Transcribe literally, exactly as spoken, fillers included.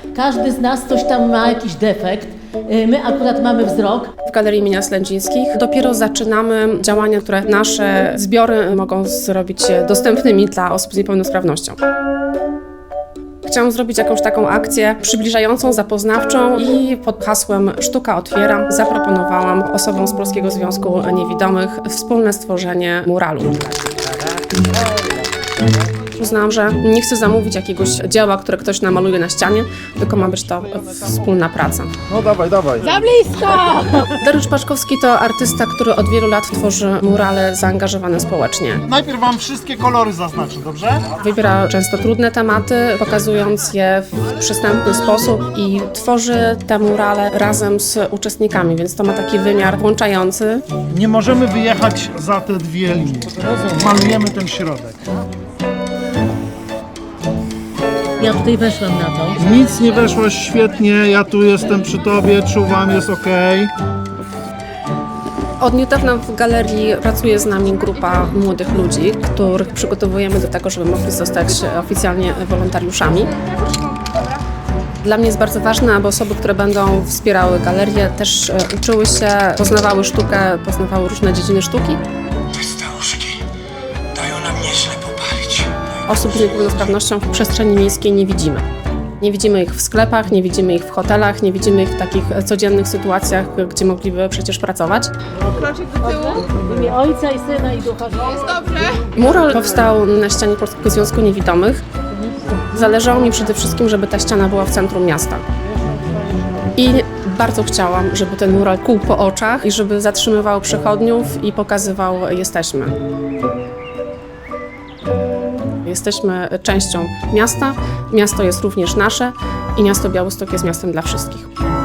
Każdy z nas coś tam ma jakiś defekt. My akurat mamy wzrok. W Galerii Imienia Slędzińskich dopiero zaczynamy działania, które nasze zbiory mogą zrobić dostępnymi dla osób z niepełnosprawnością. Chciałam zrobić jakąś taką akcję przybliżającą, zapoznawczą i pod hasłem Sztuka otwiera zaproponowałam osobom z Polskiego Związku Niewidomych wspólne stworzenie muralu. Uznałam, że nie chcę zamówić jakiegoś dzieła, które ktoś namaluje na ścianie, tylko ma być to wspólna praca. No dawaj, dawaj. Za blisko! Dariusz Paszkowski to artysta, który od wielu lat tworzy murale zaangażowane społecznie. Najpierw wam wszystkie kolory zaznaczę, dobrze? Wybiera często trudne tematy, pokazując je w przystępny sposób i tworzy te murale razem z uczestnikami, więc to ma taki wymiar włączający. Nie możemy wyjechać za te dwie linie. Malujemy ten środek. Ja tutaj weszłam na to. Nic nie weszło świetnie, ja tu jestem przy tobie, czuwam, jest okej. Od niedawna w galerii pracuje z nami grupa młodych ludzi, których przygotowujemy do tego, żeby mogli zostać oficjalnie wolontariuszami. Dla mnie jest bardzo ważne, aby osoby, które będą wspierały galerię, też uczyły się, poznawały sztukę, poznawały różne dziedziny sztuki. Te staruszki dają nam nieźle popalić. Osób z niepełnosprawnością w przestrzeni miejskiej nie widzimy. Nie widzimy ich w sklepach, nie widzimy ich w hotelach, nie widzimy ich w takich codziennych sytuacjach, gdzie mogliby przecież pracować. Kroczek do tyłu. W imię Ojca i Syna i Ducha Świętego. Jest dobrze. Mural powstał na ścianie Polskiego Związku Niewidomych. Zależało mi przede wszystkim, żeby ta ściana była w centrum miasta. I bardzo chciałam, żeby ten mural kłuł po oczach i żeby zatrzymywał przechodniów i pokazywał jesteśmy. Jesteśmy częścią miasta, miasto jest również nasze i miasto Białystok jest miastem dla wszystkich.